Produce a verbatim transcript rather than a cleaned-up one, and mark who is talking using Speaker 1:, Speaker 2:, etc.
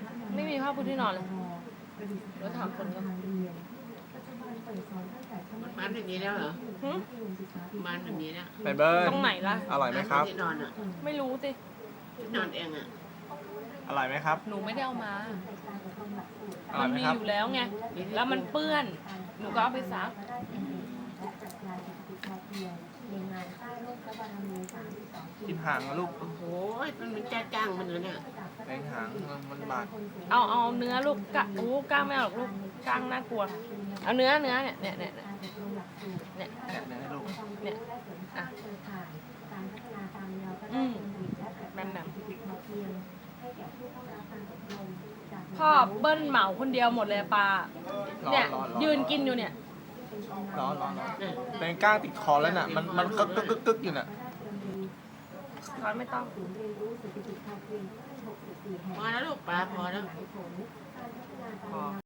Speaker 1: ไม่มีผ้าปูที่นอนเลยแล้วถามคนก็
Speaker 2: มันอย่างนี้แล้วเหรอ
Speaker 1: หึ
Speaker 2: มันอย่างนี้แล้ว
Speaker 3: ไปเบิ้ล
Speaker 1: ตรงไหนล่ะ
Speaker 3: อร่อยไหมครับ
Speaker 2: ที่นอนอ่ะ
Speaker 1: ไม่รู้สิ
Speaker 2: ที่นอนเองอ่ะ
Speaker 3: อร่อยไหมครับ
Speaker 1: หนูไม่ได้เอามา
Speaker 3: อร่
Speaker 1: มั
Speaker 3: อยไหม
Speaker 1: มี
Speaker 3: ครับ
Speaker 1: อยู่แล้วไง แล้วมันเปื้อน หนูก็เอาไปซัก
Speaker 3: กินหางนะลูก
Speaker 2: โอ้โหมันเป็นจ้าจ้างมันเลยเนี่ย
Speaker 3: แรงหางมันบาด
Speaker 1: เอาเอาเนื้อลูกกะโอ้กล้างไม่เอาหรอกลูกกล้างน่ากลัว เอาเนื้อเนื้อเนี่ยเนี่ยเนี่ยเนี่ยเนี่ย
Speaker 3: แกะเนื้อให้ลูก
Speaker 1: เนี่ยอ่ะอืมแบนแบบพ่อเบิ้ลเหมาคนเดียวหมดเลยปลา
Speaker 3: ร้อ
Speaker 1: เนี่ย
Speaker 3: นร้อนร้อน
Speaker 1: ยืนกินอยู่เนี่ย
Speaker 3: ร้อนร้อนร้อนแรงก้างติดคอแล้วน่ะ มันมันกึกกึกกึกกึกอยู่น่ะ
Speaker 1: ช้อนไม่ต้อง
Speaker 2: พอแล้วลูกปลาพอแล้ว
Speaker 1: พอ